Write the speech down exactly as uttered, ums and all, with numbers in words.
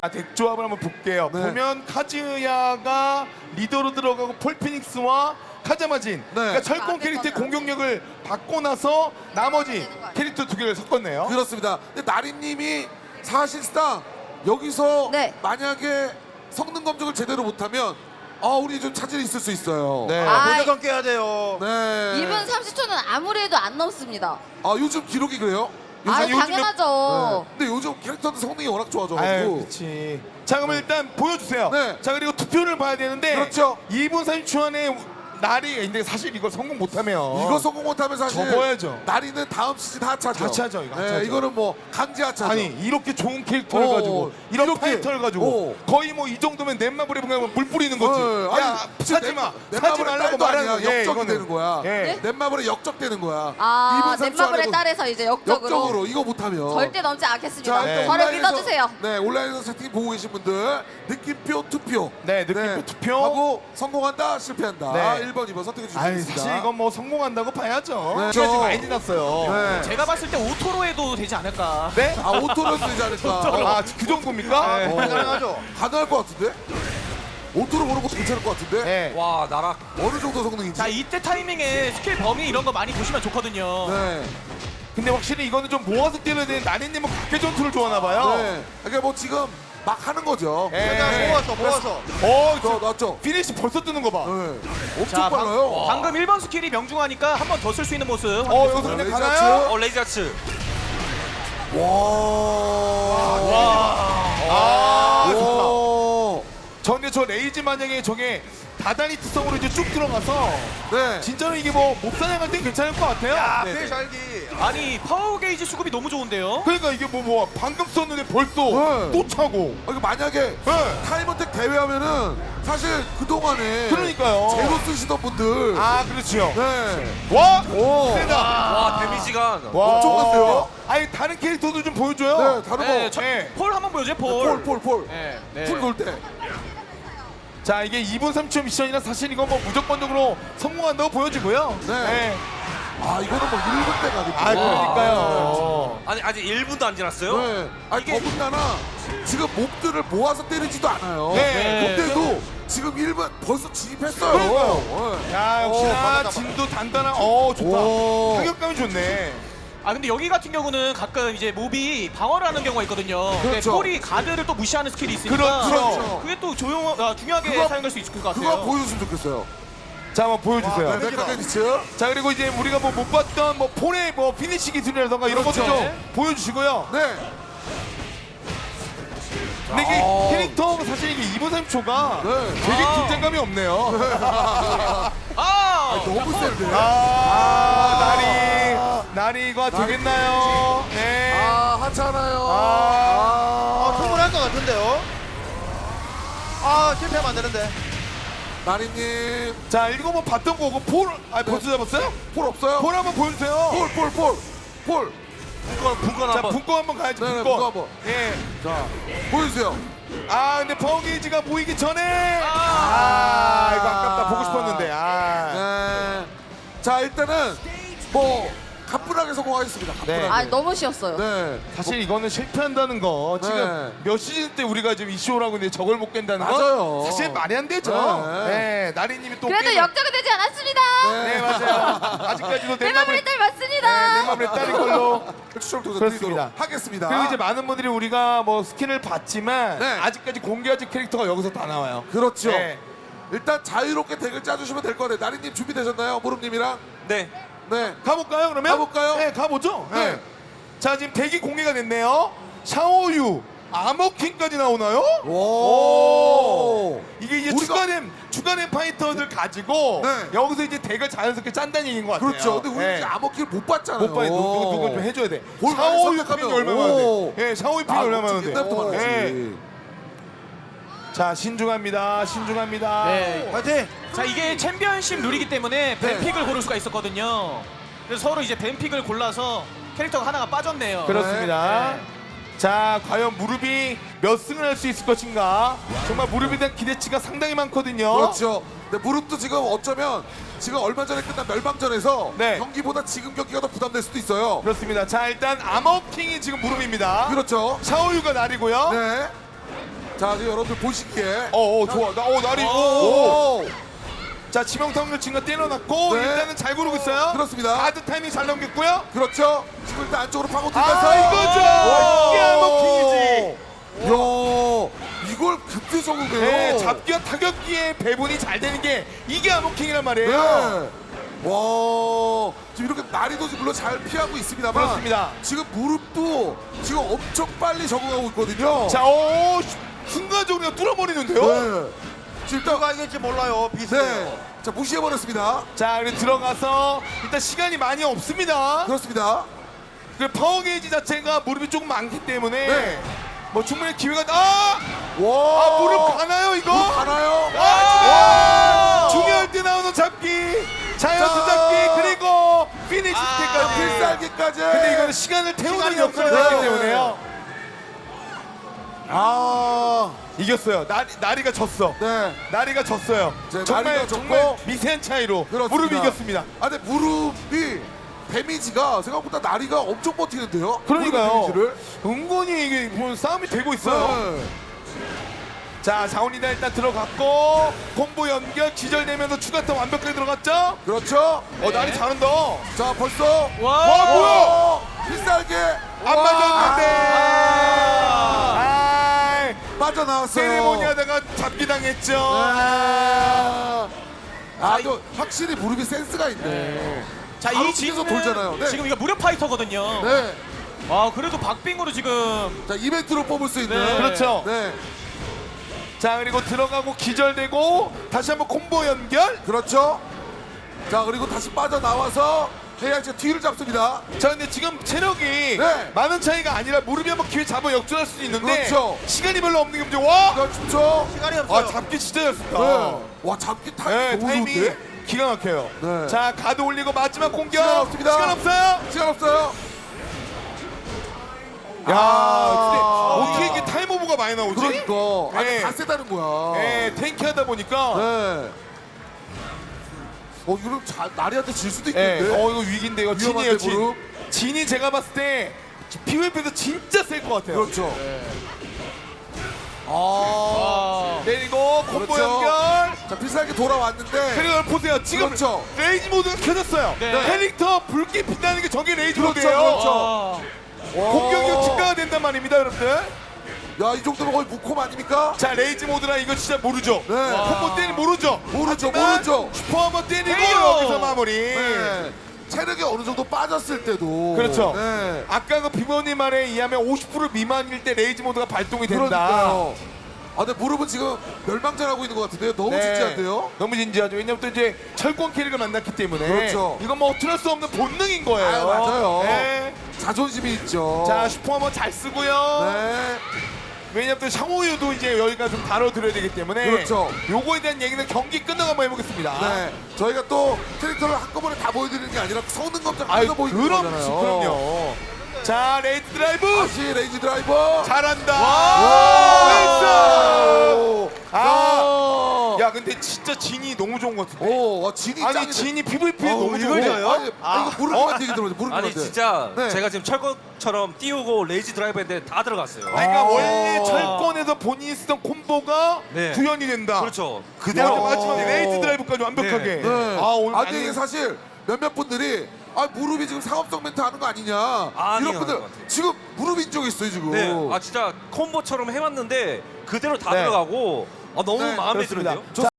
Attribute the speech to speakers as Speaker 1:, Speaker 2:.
Speaker 1: 아, 덱 조합을 한번 볼게요.
Speaker 2: 네.
Speaker 1: 보면 카즈야가 리더로 들어가고 폴피닉스와 카자마진, 그러니까 철권 캐릭터의 공격력을 받고 나서 나머지 캐릭터 두 개를 섞었네요.
Speaker 2: 그렇습니다. 근데 나리님이 사실상 여기서
Speaker 3: 네.
Speaker 2: 만약에 성능 검증을 제대로 못하면 아 우리 좀 차질이 있을 수 있어요.
Speaker 1: 네.
Speaker 3: 아,
Speaker 4: 무조건 깨야 돼요.
Speaker 2: 네.
Speaker 3: 이 분 삼십 초는 아무리 해도 안 넘습니다.
Speaker 2: 아 요즘 기록이 그래요?
Speaker 3: 아,
Speaker 1: 요즘
Speaker 3: 당연하죠.
Speaker 2: 네. 근데 요즘 캐릭터들 성능이 워낙
Speaker 1: 아유,
Speaker 2: 좋아져가지고.
Speaker 1: 그렇지. 자, 그러면 일단 보여주세요.
Speaker 2: 네.
Speaker 1: 자, 그리고 투표를 봐야 되는데
Speaker 2: 그렇죠.
Speaker 1: 이 분 삼십 초 안에 날이 근데 사실 이걸 성공 못하면
Speaker 2: 이거 성공 못하면 사실
Speaker 1: 접어야죠.
Speaker 2: 나리는 다음 시즌 하차죠.
Speaker 1: 하차죠, 이거
Speaker 2: 네,
Speaker 1: 하차죠.
Speaker 2: 이거는 뭐 강제 하차죠.
Speaker 1: 아니 이렇게 좋은 캐릭터를
Speaker 2: 어,
Speaker 1: 가지고 이런
Speaker 2: 이렇게.
Speaker 1: 파이터를 가지고
Speaker 2: 어.
Speaker 1: 거의 뭐 이 정도면 넷마블에 보면 물 뿌리는 거지.
Speaker 2: 어,
Speaker 1: 야,
Speaker 2: 아니,
Speaker 1: 사지 마,
Speaker 2: 넷-
Speaker 1: 사지
Speaker 2: 넷마블의
Speaker 1: 말라고
Speaker 2: 딸도
Speaker 1: 말하는
Speaker 2: 아니야.
Speaker 1: 거. 예,
Speaker 2: 역적이
Speaker 1: 이거는.
Speaker 2: 되는 거야.
Speaker 1: 예.
Speaker 2: 넷마블에 역적되는 거야.
Speaker 3: 아,
Speaker 2: 이분 삼십 초
Speaker 3: 넷마블에
Speaker 2: 안에
Speaker 3: 따라서 이제 역적으로,
Speaker 2: 역적으로 이거 못하면
Speaker 3: 절대 넘지 않겠습니다.
Speaker 2: 일단
Speaker 3: 저를
Speaker 2: 온라인에서-
Speaker 3: 믿어주세요.
Speaker 2: 네, 온라인에서 채팅 보고 계신 분들 느낌표 투표.
Speaker 1: 네, 느낌표 투표.
Speaker 2: 하고 성공한다, 실패한다.
Speaker 1: 네.
Speaker 2: 일 번, 이 번 선택해 주시면
Speaker 1: 아니
Speaker 2: 되겠습니다.
Speaker 1: 사실 이건 뭐 성공한다고 봐야죠.
Speaker 2: 네.
Speaker 1: 시간이 많이 지났어요.
Speaker 2: 네.
Speaker 5: 제가 봤을 때 오토로 해도 되지 않을까.
Speaker 1: 네?
Speaker 2: 아, 오토로 되지 않을까?
Speaker 1: 아, 그 정도입니까?
Speaker 5: 네.
Speaker 2: 어,
Speaker 4: 가능하죠.
Speaker 2: 가능할 것 같은데? 오토로 보는 것도 괜찮을 것 같은데?
Speaker 1: 네.
Speaker 5: 와 나락.
Speaker 2: 어느 정도 성능인지.
Speaker 5: 자 이때 타이밍에 스킬 범위 이런 거 많이 보시면 좋거든요.
Speaker 2: 네.
Speaker 1: 근데 확실히 이거는 좀 모아서 뛰어야 되는 나니님은 각계 전투를 좋아하나 봐요.
Speaker 2: 네. 그러니까 뭐 지금 막 하는 거죠.
Speaker 1: 네.
Speaker 4: 일단 모아서 모아서.
Speaker 1: 어,
Speaker 2: 저
Speaker 1: 저
Speaker 2: 났죠?
Speaker 1: 피니시 벌써 뜨는 거 봐.
Speaker 2: 네. 엄청
Speaker 5: 자, 방-
Speaker 2: 빨라요.
Speaker 5: 방금 일 번 스킬이 명중하니까 한 번 더 쓸 수 있는 모습.
Speaker 1: 어, 여기서 근데
Speaker 2: 레이저
Speaker 1: 가나요?
Speaker 2: 아츠.
Speaker 5: 어 레이저츠.
Speaker 2: 와.
Speaker 1: 아, 좋다.
Speaker 2: 와.
Speaker 1: 저 근데 저 레이즈 만약에 저게 다다니 특성으로 이제 쭉 들어가서
Speaker 2: 네.
Speaker 1: 진짜로 이게 뭐 몹사냥할 땐 괜찮을 것 같아요.
Speaker 4: 야,
Speaker 1: 네,
Speaker 4: 배
Speaker 1: 네.
Speaker 4: 잘기.
Speaker 5: 아니 파워 게이지 수급이 너무 좋은데요.
Speaker 1: 그러니까 이게 뭐 뭐 방금 썼는데 벌써
Speaker 2: 네.
Speaker 1: 또 차고.
Speaker 2: 아, 이거 만약에
Speaker 1: 네.
Speaker 2: 타임어택 대회하면은 사실 그동안에
Speaker 1: 그러니까요.
Speaker 2: 제로 쓰시던 분들
Speaker 1: 아, 그렇죠.
Speaker 2: 네.
Speaker 1: 와,
Speaker 2: 오.
Speaker 1: 세다.
Speaker 5: 와 데미지가.
Speaker 1: 와,
Speaker 2: 엄청 갔어요.
Speaker 1: 아니 다른 캐릭터도 좀 보여줘요.
Speaker 2: 네, 다른
Speaker 5: 네,
Speaker 2: 거.
Speaker 5: 저,
Speaker 1: 네.
Speaker 5: 폴 한번 보여줘요 폴.
Speaker 2: 폴, 폴, 폴.
Speaker 5: 네, 네.
Speaker 2: 풀 돌 때.
Speaker 1: 자, 이게 이 분 삼 초 미션이라 사실 이건 뭐 무조건적으로 성공한다고 보여지고요.
Speaker 2: 네. 아, 이거는 뭐 일 분 때 가겠죠.
Speaker 1: 아, 그러니까요.
Speaker 6: 아니 아직 일 분도 안 지났어요?
Speaker 2: 네. 아니,
Speaker 5: 이게-
Speaker 2: 더군다나 지금 몹들을 모아서 때리지도 않아요.
Speaker 1: 네.
Speaker 2: 근데도 지금 일 분 벌써 진입했어요.
Speaker 1: 그러니까요.
Speaker 2: 네.
Speaker 1: 야,
Speaker 2: 오,
Speaker 1: 역시나
Speaker 2: 받았다,
Speaker 1: 진도 단단한. 어, 좋다.
Speaker 2: 오.
Speaker 1: 타격감이 좋네.
Speaker 5: 아 근데 여기 같은 경우는 가끔 이제 몹이 방어를 하는 경우가 있거든요. 근데
Speaker 2: 그렇죠.
Speaker 5: 폴이 가드를 또 무시하는 스킬이 있으니까.
Speaker 1: 그렇죠.
Speaker 5: 그게 또 조용, 아, 중요하게
Speaker 2: 그거-
Speaker 5: 사용할 수 있을 것 같아요.
Speaker 2: 그거 보여줬으면 좋겠어요.
Speaker 1: 자, 한번 보여주세요.
Speaker 2: 네, 메카게니츠.
Speaker 1: 자, 그리고 이제 우리가 뭐 못 봤던 뭐 폴의 뭐 피니시 기술이라던가 이런 것도
Speaker 2: 그렇죠.
Speaker 1: 좀 보여주시고요.
Speaker 2: 네.
Speaker 1: 근데 이게
Speaker 2: 아.
Speaker 1: 캐릭터 사실 이게 이 분 삼 초가
Speaker 2: 네.
Speaker 1: 되게
Speaker 5: 아.
Speaker 1: 긴장감이 없네요.
Speaker 5: 아,
Speaker 2: 너무 센데.
Speaker 1: 아, 나리, 나리가 되겠나요? 네.
Speaker 2: 아, 하찮아요.
Speaker 1: 아.
Speaker 4: 아, 충분할 것 같은데요. 아, 실패하면 안 되는데.
Speaker 2: 나리님.
Speaker 1: 자, 이거 뭐 봤던 거고 폴, 아 벌써 잡았어요?
Speaker 2: 폴 없어요?
Speaker 1: 폴 한번 보여주세요.
Speaker 2: 폴, 폴, 폴. 폴.
Speaker 6: 분권 분권
Speaker 1: 자,
Speaker 6: 한번.
Speaker 1: 분권 한번 가야지.
Speaker 2: 네네,
Speaker 1: 분권.
Speaker 2: 분권 한번.
Speaker 1: 예.
Speaker 2: 자, 보여주세요.
Speaker 1: 아, 근데 파워게이지가 보이기 전에. 아, 이거 아깝다. 보고 싶었는데. 아.
Speaker 2: 네. 자, 일단은 뭐 가뿐하게 성공하겠습니다. 가뿐하게.
Speaker 1: 네.
Speaker 3: 아, 너무 쉬웠어요.
Speaker 2: 네.
Speaker 1: 사실 이거는 실패한다는 거 지금
Speaker 2: 네.
Speaker 1: 몇 시즌 때 우리가 지금 이슈라고 있는데 저걸 못 깬다는
Speaker 2: 맞아요.
Speaker 1: 건 사실 말이 안 되죠.
Speaker 2: 네.
Speaker 1: 네, 나리님이 또
Speaker 3: 그래도
Speaker 1: 게임을-
Speaker 3: 역적은 되지 않았습니다.
Speaker 1: 네, 맞아요. 아직까지도 내
Speaker 3: 내
Speaker 1: 맘을
Speaker 3: 마무리 딸
Speaker 1: 네,
Speaker 3: 맞습니다.
Speaker 1: 내 맘을 따린 걸로.
Speaker 2: 추첨 도전
Speaker 1: 그렇습니다.
Speaker 2: 드리도록 하겠습니다.
Speaker 1: 그리고 이제 많은 분들이 우리가 뭐 스킨을 봤지만
Speaker 2: 네.
Speaker 1: 아직까지 공개하지 캐릭터가 여기서 다 나와요.
Speaker 2: 그렇죠.
Speaker 1: 네.
Speaker 2: 일단 자유롭게 덱을 짜주시면 될 거예요. 나리님 준비되셨나요? 무릎님이랑?
Speaker 6: 네.
Speaker 2: 네.
Speaker 1: 가볼까요 그러면?
Speaker 2: 가볼까요?
Speaker 1: 네, 가보죠.
Speaker 2: 네.
Speaker 1: 네. 자, 지금 덱이 공개가 됐네요. 샤오유, 아머킹까지 나오나요?
Speaker 2: 오.
Speaker 1: 이게 이제
Speaker 2: 우리가-
Speaker 1: 추가된 추가된 파이터들 가지고
Speaker 2: 네.
Speaker 1: 여기서 이제 덱을 자연스럽게 짠다는 얘기인 것 같아요.
Speaker 2: 그렇죠. 근데 우리
Speaker 1: 네.
Speaker 2: 이제 암호키를 못 봤잖아요.
Speaker 1: 못 봐요. 누구 누구 누구 좀 해줘야 돼.
Speaker 2: 뭘 많이
Speaker 1: 샤오유
Speaker 2: 선택하면-
Speaker 1: 핀이 얼마 많은데?
Speaker 2: 오.
Speaker 1: 예, 샤오유 핀이
Speaker 2: 아,
Speaker 1: 얼마
Speaker 2: 그렇지.
Speaker 1: 많은데?
Speaker 2: 옛날부터 많았지.
Speaker 1: 예. 자, 신중합니다. 신중합니다.
Speaker 5: 네.
Speaker 4: 파이팅!
Speaker 5: 자 이게 챔피언십 룰이기 때문에
Speaker 2: 네.
Speaker 5: 뱀픽을 고를 수가 있었거든요. 그래서 서로 이제 뱀픽을 골라서 캐릭터가 하나가 빠졌네요.
Speaker 1: 그렇습니다.
Speaker 5: 네.
Speaker 1: 자, 과연 무릎이 몇 승을 할 수 있을 것인가? 정말 무릎에 대한 기대치가 상당히 많거든요.
Speaker 2: 그렇죠. 근데 무릎도 지금 어쩌면 지금 얼마 전에 끝난 멸망전에서
Speaker 1: 네.
Speaker 2: 경기보다 지금 경기가 더 부담될 수도 있어요.
Speaker 1: 그렇습니다. 자, 일단 아머킹이 지금 무릎입니다.
Speaker 2: 그렇죠.
Speaker 1: 샤오유가 날이고요.
Speaker 2: 네. 자, 지금 여러분들 보시기에.
Speaker 1: 어, 어 좋아. 나, 어, 날이. 오, 오. 자, 지명타운을 증가 때려놨고
Speaker 2: 네.
Speaker 1: 일단은 잘 고르고 있어요.
Speaker 2: 그렇습니다.
Speaker 1: 가드 타이밍 잘 넘겼고요.
Speaker 2: 그렇죠. 지금 일단 안쪽으로 파고
Speaker 1: 아,
Speaker 2: 들어가서.
Speaker 1: 이거죠. 이게 아머킹이지.
Speaker 2: 야, 이걸 그때 적응해요.
Speaker 1: 네, 잡기와 타격기의 배분이 잘 되는 게 이게 아머킹이란 말이에요.
Speaker 2: 네. 와, 지금 이렇게 난이도 물론 잘 피하고 있습니다만.
Speaker 1: 그렇습니다.
Speaker 2: 지금 무릎도 지금 엄청 빨리 적응하고 있거든요.
Speaker 1: 자, 오, 순간적으로 그냥 뚫어버리는데요.
Speaker 2: 네. 지금 일단
Speaker 4: 누가 이길지 몰라요. 비슷해요.
Speaker 2: 네. 자, 무시해버렸습니다.
Speaker 1: 자, 그리고 들어가서 일단 시간이 많이 없습니다.
Speaker 2: 그렇습니다.
Speaker 1: 그 파워 게이지 자체가 무릎이 조금 많기 때문에
Speaker 2: 네.
Speaker 1: 뭐 충분히 기회가 아!
Speaker 2: 와.
Speaker 1: 아, 무릎 가나요 이거?
Speaker 2: 무릎 가나요?
Speaker 1: 아, 중요할 때 나오는 잡기, 자이언트
Speaker 2: 자.
Speaker 1: 잡기, 그리고 피니시
Speaker 2: 아,
Speaker 1: 때까지.
Speaker 2: 필살기까지.
Speaker 1: 근데 이거는 시간을 태우는
Speaker 4: 시간이
Speaker 1: 역할을
Speaker 2: 없어요.
Speaker 1: 했기 때문에요.
Speaker 2: 아,
Speaker 1: 이겼어요. 나리, 나리가 졌어.
Speaker 2: 네.
Speaker 1: 나리가 졌어요.
Speaker 2: 네,
Speaker 1: 정말
Speaker 2: 나리가 졌고.
Speaker 1: 정말 미세한 차이로
Speaker 2: 그렇습니다.
Speaker 1: 무릎이 이겼습니다.
Speaker 2: 아, 근데 무릎이 데미지가 생각보다 나리가 엄청 버티는데요.
Speaker 1: 그러니까요.
Speaker 2: 무릎 데미지를.
Speaker 1: 은근히 이게 뭐 싸움이 되고 있어요.
Speaker 2: 네.
Speaker 1: 자, 자원이다 일단 들어갔고 콤보 연결 기절되면서 추가타 완벽하게 들어갔죠?
Speaker 2: 그렇죠.
Speaker 1: 어, 나리 잘한다.
Speaker 2: 자, 벌써
Speaker 5: 와,
Speaker 1: 와, 뭐야?
Speaker 2: 어, 필살기
Speaker 1: 안
Speaker 2: 와.
Speaker 1: 맞았는데. 아,
Speaker 2: 빠져나왔어요.
Speaker 1: 세레모니 하다가 잡기 당했죠.
Speaker 2: 아, 아, 또 확실히 무릎이 센스가 있네.
Speaker 5: 자,
Speaker 2: 바로
Speaker 5: 이
Speaker 2: 뒤에서
Speaker 5: 지금은
Speaker 2: 돌잖아요. 네.
Speaker 5: 지금 이거 무력 파이터거든요.
Speaker 2: 네.
Speaker 5: 아, 그래도 박빙으로 지금
Speaker 2: 자, 이벤트로 뽑을 수 있는.
Speaker 5: 네.
Speaker 1: 그렇죠.
Speaker 2: 네.
Speaker 1: 자, 그리고 들어가고 기절되고 다시 한번 콤보 연결.
Speaker 2: 그렇죠. 자, 그리고 다시 빠져나와서 해양제 뒤를 잡습니다.
Speaker 1: 자, 근데 지금 체력이
Speaker 2: 네.
Speaker 1: 많은 차이가 아니라 무릎이 한번 기회 잡아 역전할 수도 있는데
Speaker 2: 그렇죠.
Speaker 1: 시간이 별로 없는 게 문제. 와!
Speaker 2: 그렇죠.
Speaker 4: 시간이 없어요.
Speaker 1: 아, 잡기 진짜 잘 썼다.
Speaker 2: 네. 와, 잡기 타이밍
Speaker 1: 네,
Speaker 2: 너무
Speaker 1: 타이밍이
Speaker 2: 좋은데?
Speaker 1: 기가 막혀요.
Speaker 2: 네.
Speaker 1: 자, 가드 올리고 마지막 공격.
Speaker 2: 시간 없습니다.
Speaker 1: 시간 없어요.
Speaker 2: 시간 없어요.
Speaker 1: 야,
Speaker 2: 아.
Speaker 1: 근데 어떻게 이렇게 타임 오버가 많이 나오지?
Speaker 2: 그러니까. 아니,
Speaker 1: 네.
Speaker 2: 다 세다는 거야.
Speaker 1: 네, 탱키하다 보니까.
Speaker 2: 네. 어, 이거 잘 나리한테 질 수도
Speaker 1: 네.
Speaker 2: 있겠는데.
Speaker 1: 어, 이거 위기인데 이거
Speaker 2: 위험한데,
Speaker 1: 진이에요, 진.
Speaker 2: 무릎?
Speaker 1: 진이 제가 봤을 때 피브이피에서 진짜 셀 것 같아요.
Speaker 2: 그렇죠. 아.
Speaker 5: 아,
Speaker 1: 내리고 콤보
Speaker 2: 그렇죠.
Speaker 1: 연결.
Speaker 2: 자, 필살기 돌아왔는데.
Speaker 1: 그리고 여러분 보세요. 지금
Speaker 2: 그렇죠.
Speaker 1: 레이지 모드가 켜졌어요.
Speaker 5: 네.
Speaker 1: 캐릭터 불빛 빛나는 게 저게 레이지
Speaker 2: 그렇죠,
Speaker 1: 모드예요.
Speaker 2: 그렇죠.
Speaker 5: 아,
Speaker 2: 와.
Speaker 1: 공격력 증가가 된단 말입니다, 여러분들.
Speaker 2: 야, 이 정도면 거의 무콤 아닙니까?
Speaker 1: 자, 레이지 모드라 이거 진짜 모르죠.
Speaker 2: 네.
Speaker 1: 콤보 때리 모르죠.
Speaker 2: 모르죠,
Speaker 1: 하지만
Speaker 2: 모르죠.
Speaker 1: 슈퍼 한번 때리고
Speaker 5: 헤이요.
Speaker 1: 여기서 마무리.
Speaker 2: 네. 체력이 어느 정도 빠졌을 때도.
Speaker 1: 그렇죠.
Speaker 2: 네.
Speaker 1: 아까 그 비버님 말에 의하면 오십 퍼센트 미만일 때 레이지 모드가 발동이 된다.
Speaker 2: 그러니까요. 아, 근데 무릎은 지금 멸망전하고 있는 것 같은데요. 너무
Speaker 1: 네.
Speaker 2: 진지한데요.
Speaker 1: 너무 진지하죠. 왜냐면 또 이제 철권 캐릭을 만났기 때문에
Speaker 2: 그렇죠.
Speaker 1: 이건 뭐 어쩔 수 없는 본능인 거예요.
Speaker 2: 아, 맞아요.
Speaker 1: 네.
Speaker 2: 자존심이 있죠.
Speaker 1: 자, 슈퍼 한번 잘 쓰고요.
Speaker 2: 네.
Speaker 1: 왜냐면 또 샹호유도 이제 여기가 좀 다뤄드려야 되기 때문에
Speaker 2: 그렇죠.
Speaker 1: 요거에 대한 얘기는 경기 끝나고 한번 해보겠습니다.
Speaker 2: 네. 저희가 또 캐릭터를 한꺼번에 다 보여드리는 게 아니라 성능 검증
Speaker 1: 아유,
Speaker 2: 하면서 보여드리는
Speaker 1: 그럼,
Speaker 2: 거잖아요.
Speaker 1: 그럼요. 자, 레이드 드라이브
Speaker 2: 다시 레이지 드라이버.
Speaker 1: 잘한다.
Speaker 2: 와.
Speaker 1: 웨이스! 아,
Speaker 2: 야.
Speaker 1: 야, 근데 진짜 진이 너무 좋은 것 같은데.
Speaker 2: 오, 와, 진이
Speaker 1: 아니,
Speaker 2: 짱이네.
Speaker 1: 진이 피브이피에
Speaker 2: 어우,
Speaker 1: 너무
Speaker 2: 이걸
Speaker 1: 좋아.
Speaker 2: 져요? 아니, 아, 이거 무릎만 얘기 들어보세요. 무릎만
Speaker 6: 아니 진짜
Speaker 2: 네.
Speaker 6: 제가 지금 철거처럼 띄우고 레이지 드라이브 했는데 다 들어갔어요.
Speaker 1: 아니, 그러니까
Speaker 2: 아.
Speaker 1: 원래 철권에서 본인이 쓰던 콤보가
Speaker 6: 네.
Speaker 1: 구현이 된다.
Speaker 6: 그렇죠.
Speaker 1: 그대로
Speaker 2: 와.
Speaker 1: 마지막에 레이드 드라이브까지 완벽하게.
Speaker 6: 네.
Speaker 2: 네.
Speaker 1: 아, 오늘
Speaker 2: 아, 근데 이게 사실 몇몇 분들이 아, 무릎이 지금 상업성 멘트 하는 거 아니냐.
Speaker 6: 아니에요,
Speaker 2: 이런 분들
Speaker 6: 아닌 것 같아요.
Speaker 2: 지금 무릎 인정 있어요, 지금.
Speaker 6: 네, 아 진짜 콤보처럼 해왔는데 그대로 다
Speaker 1: 네.
Speaker 6: 들어가고 아, 너무
Speaker 2: 네,
Speaker 6: 마음에
Speaker 1: 그렇습니다.
Speaker 6: 드는데요.